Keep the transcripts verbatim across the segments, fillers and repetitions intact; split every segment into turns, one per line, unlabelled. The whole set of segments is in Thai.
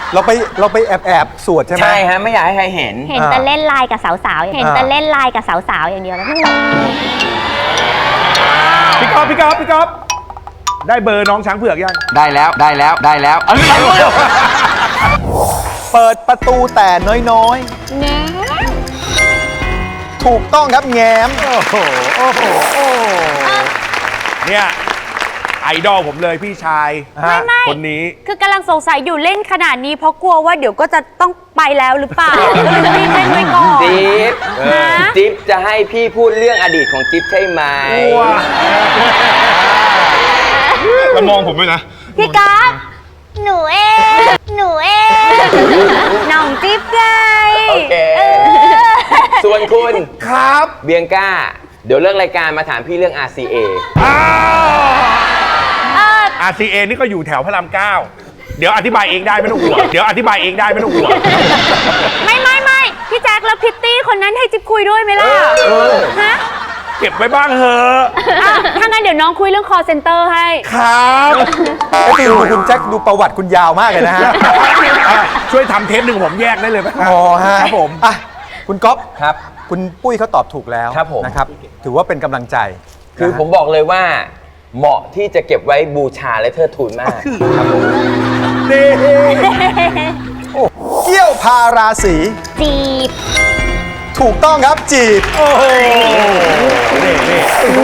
เราไปเราไปแอบแอบสวดใช่ไหม
ใช่ฮะไม่อยากให้ใครเห็น
เห็นแต่เล่นไลน์กับสาวๆเห็นแต่เล่นไลน์กับสาวๆอย่างเดียวแล้ว
พี่ก๊อฟพี่ก๊อฟพี่ก๊อฟได้เบอร์น้องช้างเผือกยัง
ได้แล้วได้แล้วได้แล้วเอาเรื่องเลย
เปิดประตูแต่น้อยๆ
แง่
ถูกต้องครับแง้มโอ้โหโอ้โหโอ้
เนี่ยไอดอลผมเลยพี่ชาย
ไม่ไม่
คนนี้
คือกำลังสงสัยอยู่เล่นขนาดนี้เพราะกลัวว่าเดี๋ยวก็จะต้องไปแล้วหรือเปล่าก็เลยรีบเล่นไว้ก่อน
จิ๊บ
ฮะ
จิ๊บจะให้พี่พูดเรื่องอดีตของจิ๊บใช่ไหม
แล้วมองผมด้วยนะ
พี่ก๊อฟหนูเองหนูเอง
น้องจิ๊บไง
โอเค ส่วนคุณ
ครับ
เบียงก้า เดี๋ยวเลิกรายการมาถามพี่เรื่อง อาร์ ซี เอ
อ้าว อาร์ ซี เอ นี่ก็อยู่แถวพระรามเก้าเดี๋ยวอธิบายเองได้ไม่ต้องห่วงเดี๋ยวอธิบายเองได้ไม่ต้องห่วง
ไม่ไม่ไม่พี่แจ็คแล้วพิตตี้คนนั้นให้จิ๊บคุยด้วยไหมล่ะฮะ
เก็บไว้บ้างเถอะ
อ่ะถ้างั้นเดี๋ยวน้องคุยเรื่อง call center ให้
ครับ
ดูคุณแจ็คดูประวัติคุณยาวมากเลยนะฮะ
อ่ะช่วยทำเทปหนึ่งผมแยกได้เลยไหม
อ๋อฮะ
ครับผม
อ่ะคุณก๊อฟ
ครับ
คุณปุ้ยเขาตอบถูกแล้ว
ครับผม
นะครับ ถือว่าเป็นกำลังใจ
คือ
นะฮะ
ผมบอกเลยว่า เหมาะที่จะเก็บไว้บูชาและเทิดทูนมากครับผม
นี่
โอ้เกี้ยวพาราศี
จีบ
ถูกต้องครับจีบ
โอ้โหนี่นี่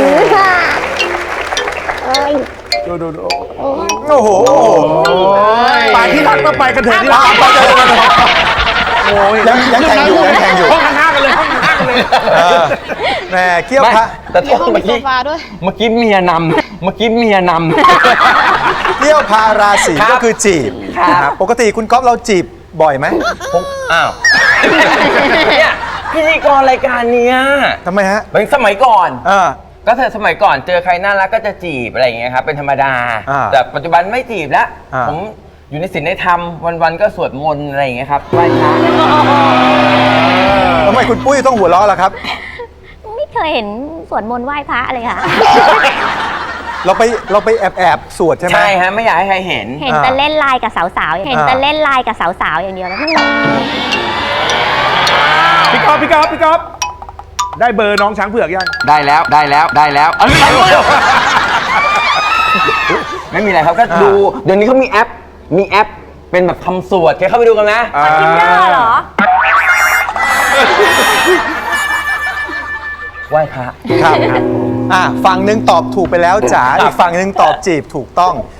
ดูดูดู
โอ้โห
ไปที่รักมาไปกันเถอะที่รัก
ไปกันเลย
โอ้ย
ยังยังแข่งอยู่ยังแข่งอยู่
ห้องข้างๆกันเลยห้องข้างๆกันเลย
เออแหมเกี้ยว
ไม่
พา
แต่โทษเมื่อกี้เมื่อกี้เมียนำเมื่อกี้เมียนำ
เกี้ยวพาราศี
ครับ
ก็คือจีบ
ครับ
นะครับปกติคุณก๊อฟเราจีบบ่อยไหม
ผมอ้าวเนี่ยพิธีกรรายการเนี้ย
ทำไมฮะ
เป็นสมัยก่อน
เออ
ก็เธอสมัยก่อนเจอใครน่ารักก็จะจีบอะไรอย่างเงี้ยครับเป็นธรรมดา
อ่า
แต่ปัจจุบันไม่จีบแล้ว
อ่า
ผมอยู่ในศีลในธรรมวันๆก็สวดมนต์อะไรอย่างเงี้ยครับไหว้พระ
ทำไมคุณปุ้ยต้องหัวเราะล่ะครับ
ไม่เคยเห็นสวดมนต์ไหว้พระเลยค่ะ
เราไปเราไปแอบแอบสวดใช่ไหม
ใช่ฮะไม่อยากให้ใครเห็น
เห็นแต่เล่นไลน์กับสาวๆเห็นแต่เล่นไลน์กับสาวๆอย่างเดียวแล้ว
พี่ก๊อฟพี่ก๊อฟพี่ก๊อฟได้เบอร์น้องช้างเผือกยัง
ได้แล้วได้แล้วได้แล้วเอาเรื่องเลยไม่มีอะไรครับก็ดูเดี๋ยวนี้เขามีแอปมีแอปเป็นแบบทำสวดแกเข้าไปดูกันนะ
ทินเดอร์เหรอ
ไหว้พระ
ครับอ่ะฝั่งหนึ่งตอบถูกไปแล้วจ๋า
ครับ
อีกฝั่งหนึ่งตอบจีบถูกต้อง